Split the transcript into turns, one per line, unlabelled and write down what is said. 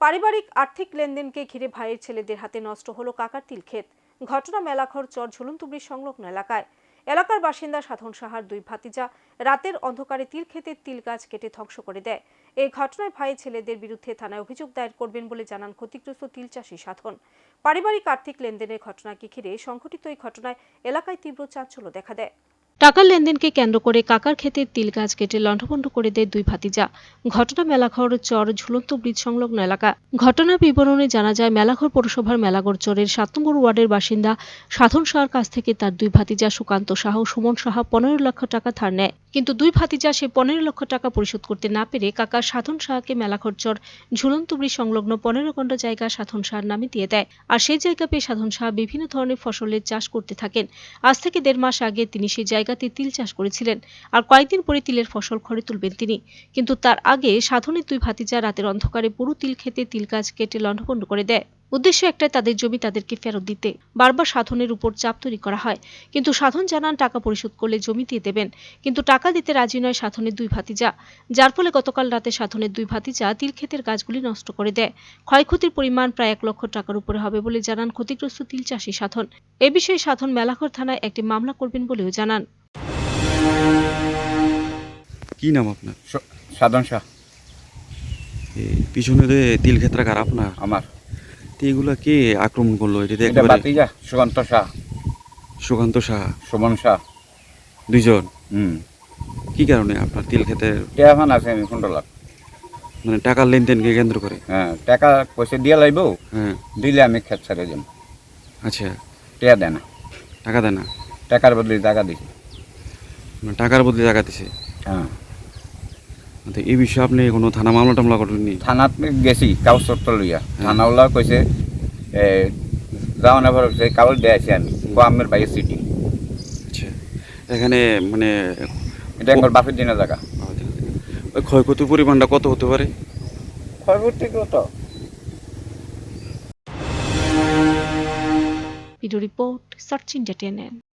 পারিবারিক আর্থিক লেনদেনকে ঘিরে ভাইয়ের ছেলেদের হাতে নষ্ট হলো কাকার তিল ক্ষেত। ঘটনা মেলাঘর চর ঝুলন্তব্রী সংলগ্ন এলাকায়। এলাকার বাসিন্দা সাধন সাহার দুই ভাতিজা রাতের অন্ধকারে তিল ক্ষেতের তিল গাছ কেটে ধ্বংস করে দেয়। এই ঘটনায় ভাই ছেলেদের বিরুদ্ধে থানায় অভিযোগ দায়ের করবেন বলে জানান ক্ষতিগ্রস্ত তিল চাষী সাধন। পারিবারিক আর্থিক লেনদেনের ঘটনাকে ঘিরে সংঘটিত এই ঘটনায় এলাকায় তীব্র চাঞ্চল্য দেখা দেয়। টাকার লেনদেনকে কেন্দ্র করে কাকার ক্ষেতের তিল গাছ কেটে লণ্ডভণ্ড করে দেয় দুই ভাতিজা। ঘটনা মেলাঘর চর ঝুলন্ত ব্রিজ সংলগ্ন এলাকা। ঘটনার বিবরণে জানা যায়, মেলাঘর পৌরসভার মেলাঘর চরের ৭ নম্বর ওয়ার্ডের বাসিন্দা সাধন সাহার কাছ থেকে তার দুই ভাতিজা সুকান্ত সাহা ও সুমন সাহা ১৫ লক্ষ টাকা ধার নেয়। কিন্তু দুই ভাতিজা সে ১৫ লক্ষ টাকা পরিশোধ করতে না পেরে কাকা সাধন সাহাকে মেলাঘর চর ঝুলন্ত ব্রিজ সংলগ্ন ১৫ গন্ডা জায়গা সাধন সাহার নামে দিয়ে দেয়। আর সেই জায়গা পেয়ে সাধন সাহা বিভিন্ন ধরনের ফসলের চাষ করতে থাকেন। আজ থেকে ১.৫ মাস আগে তিনি সেই জায়গাতে তিল চাষ করেছিলেন। আর কয়েকদিন পরে তিলের ফসল ঘরে তুলবেন তিনি। কিন্তু তার আগে সাধনের দুই ভাতিজা রাতের অন্ধকারে পুরো তিল ক্ষেতে তিল গাছ কেটে লণ্ডভণ্ড করে দেয়। উদ্দেশ্য একটাই, তাদের জমি তাদেরকে ফেরত দিতে। বারবার সাধনের উপর চাপ তৈরি করা হয়, কিন্তু সাধন জানান টাকা পরিশোধ করলে জমি দিয়ে দেবেন। কিন্তু টাকা দিতে রাজি নয় সাধনের দুই ভাতিজা, যার ফলে গতকাল রাতে সাধনের দুই ভাতিজা তিল ক্ষেতের গাছগুলি নষ্ট করে দেয়। ক্ষয়ক্ষতির পরিমাণ প্রায় ১ লক্ষ টাকার উপরে হবে বলে জানান ক্ষতিগ্রস্ত তিল চাষী সাধন। এ বিষয়ে সাধন মেলাঘর থানায় একটি মামলা করবেন বলেও জানান।
কি নাম আপনার?
সাধন শাহ।
পিছনে যে তিল ক্ষেত্রা কার আপনার?
আমার।
এগুলা কে আক্রমণ করলো?
এটা বাতিজা সুকান্ত শাহ,
সুকান্ত সাহা,
সুমন শাহ,
দুইজন।
হুম।
কি কারণে আপনার তিল ক্ষেতের
টেহাফান আছে আমি ১৫ লাখ।
মানে টাকার লেনদেনকে কেন্দ্র করে?
হ্যাঁ, টাকা পয়সা দিয়ে লাইব।
হ্যাঁ।
দিলে আমি ক্ষেত ছেড়ে যাব।
আচ্ছা,
টেয়া দেয় না।
টাকা দেয় না?
টাকার বদলে টাকা দিছি।
মানে টাকার বদলে টাকা দিছে?
হ্যাঁ।
তো এই বিষয়ে আপনি কোনো থানা মামলা টামলা করেননি?
থানাত গেছি কাগজপত্র লইয়া। থানাওয়ালা কইছে যাও না ভালো, সেই কাগজ দিয়েছি আমি আমের বাইরে সিটি।
আচ্ছা, এখানে মানে
এটা আমার বাপের দিনের জায়গা।
ওই ক্ষয়ক্ষতির পরিমাণটা কত হতে পারে?
ক্ষয়ক্ষতি কত?
Video report search India TNN।